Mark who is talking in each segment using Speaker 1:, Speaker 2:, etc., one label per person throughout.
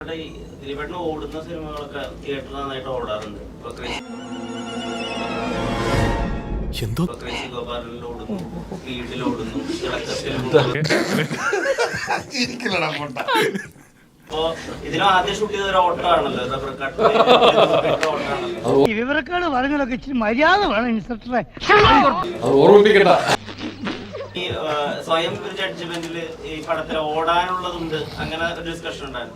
Speaker 1: ദിലീപേട്ടന് ഓടുന്ന സിനിമകളൊക്കെ തിയേറ്ററിൽ നന്നായിട്ട് ഓടാറുണ്ട്. ഗോപാലനിൽ ഓടുന്നു, സ്പീഡിൽ ഓടുന്നു, അപ്പോ ഇതിന് ആദ്യം ഷൂട്ട് ചെയ്ത ഒരു ഓട്ടമാണല്ലോ, റബ്ബർ ഓട്ടമാണല്ലോ.
Speaker 2: വിവരക്കാട് പറഞ്ഞതൊക്കെ ഇച്ചിരി മര്യാദ വേണം ഇൻസ്പെക്ടറെ.
Speaker 1: ഈ സ്വയം ഒരു ജഡ്ജ്മെന്റില് ഈ പടത്തിൽ ഓടാനുള്ളതുണ്ട്, അങ്ങനെ ഒരു ഡിസ്കഷൻ ഉണ്ടായിരുന്നു.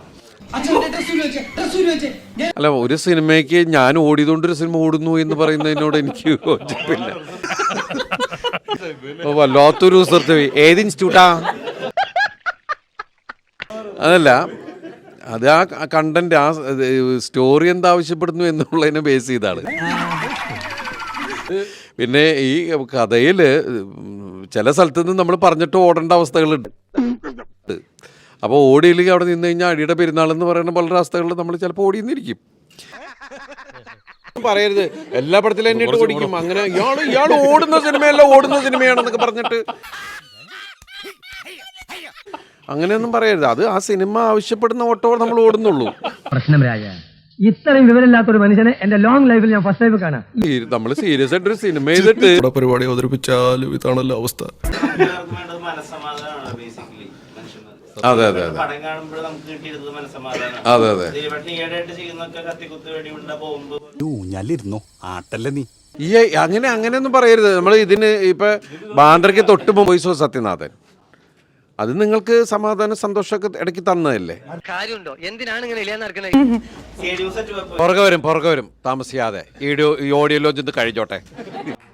Speaker 3: അല്ല, ഒരു സിനിമയ്ക്ക് ഞാൻ ഓടിയതുകൊണ്ടൊരു സിനിമ ഓടുന്നു എന്ന് പറയുന്നതിനോട് എനിക്ക് യോജിപ്പില്ല. വല്ലാത്തൊരു സ്ഥലത്ത് ഏത് ഇൻസ്റ്റിറ്റ്യൂട്ടാ? അതല്ല, അത് ആ കണ്ടന്റ്, ആ സ്റ്റോറി എന്താവശ്യപ്പെടുന്നു എന്നുള്ളതിനെ ബേസ് ചെയ്താണ്. പിന്നെ ഈ കഥയിൽ ചില സ്ഥലത്ത് നിന്ന് നമ്മൾ പറഞ്ഞിട്ട് ഓടേണ്ട അവസ്ഥകളുണ്ട്. അപ്പോൾ ഓടിയില്ലെങ്കിൽ അവിടെ നിന്ന് കഴിഞ്ഞാൽ അടിയുടെ പെരുന്നാൾ എന്ന് പറയുന്ന പല അവസ്ഥകളിൽ നമ്മൾ ചിലപ്പോൾ ഓടിയെന്നിരിക്കും. പറയരുത് എല്ലാ പടത്തിലും എന്നെ ഇട്ട് ഓടിക്കും, അങ്ങനെ ഇയാൾ ഓടുന്ന സിനിമയല്ല ഓടുന്ന സിനിമയാണെന്നൊക്കെ പറഞ്ഞിട്ട് അങ്ങനെയൊന്നും പറയരുത്. അത് ആ സിനിമ ആവശ്യപ്പെടുന്ന ഓട്ടോ നമ്മൾ ഓടുന്നുള്ളൂ.
Speaker 2: പ്രശ്നം രാജ, ഇത്രയും വിവരമില്ലാത്തൊരു മനുഷ്യനെ എന്റെ ലോങ് ലൈഫിൽ ഞാൻ ഫസ്റ്റ് ടൈം കാണാം.
Speaker 3: നമ്മൾ സീരിയസ് ആയിട്ടൊരു സിനിമ ചെയ്തിട്ട്
Speaker 4: പരിപാടി അവതരിപ്പിച്ചാലും ഇതാണല്ലോ അവസ്ഥ.
Speaker 1: മനസ്സമാധാനമാണ് ബേസിക്കലി.
Speaker 3: അതെ അതെ അതെ
Speaker 1: പടം കാണുമ്പോൾ നമുക്ക് കിട്ടിയിരുന്നത് മനസ്സമാധാനമാണ്.
Speaker 3: അതെ അതെ
Speaker 1: ഈയിടെയായിട്ട് ചെയ്യുന്നൊക്കെ കത്തിക്കുത്ത് വെടിയുണ്ട പോകുമ്പോ
Speaker 5: ഊഞ്ഞാലിരുന്നോ ആട്ടല്ലേ നീ
Speaker 3: ഈ അങ്ങനെയൊന്നും പറയരുത്. നമ്മൾ ഇതിന് ഇപ്പൊ ബാന്ദ്രയ്ക്ക് തൊട്ട് പോയിസോ സത്യനാഥൻ, അത് നിങ്ങൾക്ക് സമാധാനം സന്തോഷമൊക്കെ ഇടയ്ക്ക് തന്നതല്ലേ.
Speaker 2: കാര്യമുണ്ടോ? എന്തിനാണ് ഇങ്ങനെ
Speaker 1: സ്റ്റേഡിയം സെറ്റ്
Speaker 3: പുറകെ വരും താമസിയാതെ. ഈ ഓഡിയോ ലോഞ്ച് കഴിഞ്ഞോട്ടെ.